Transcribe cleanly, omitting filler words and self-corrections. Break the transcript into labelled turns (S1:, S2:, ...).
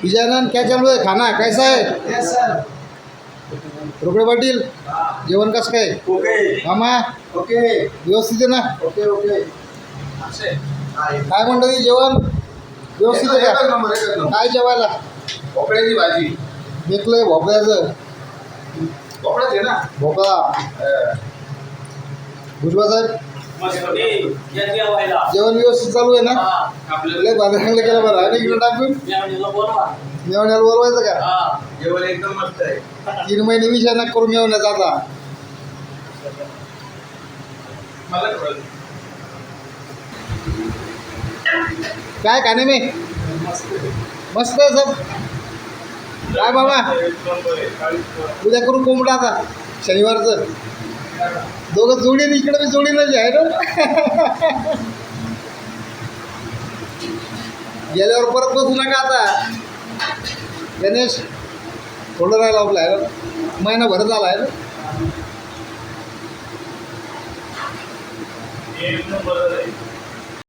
S1: विजयानंद क्या चालू आहे? खाना कैसा आहे?
S2: Yes sir.
S1: रोकडे पाटील जेवण कसं काय?
S2: ओके
S1: मामा
S2: ओके
S1: व्यवस्थित आहे ना?
S2: Okay okay.
S1: काय म्हणतं ते जेवण व्यवस्थित आहे
S2: एकच
S1: का?
S2: नंबर एकच नंबर.
S1: काय जेवायला?
S2: भोपळ्याची भाजी.
S1: भेटलंय भोपळ्याचं
S2: भोपळाच आहे ना.
S1: भोपळा. भुजबळ साहेब जेवण व्यवस्थित चालू आहे ना? लय बाजाराला केलं बरं आहे ना इकडं टाकून मेवण्याला बोलवायचं का?
S2: जेवण एकदम मस्त आहे.
S1: 3 महिने विषय नका करून मेवण्याचा आता.
S2: मला कळलं.
S1: काय खाणे मी मस्त आहे सब. काय बाबा उद्या करू कोंबडा आता शनिवारचं. दोघं जोडीने इकडे बी जोडीनच आहे ना. गेल्यावर परत बसू नका आता. गणेश थोडं राहिलं आपलं आहे ना, महिनाभर झाला आहे ना.
S2: एक नंबर आहे.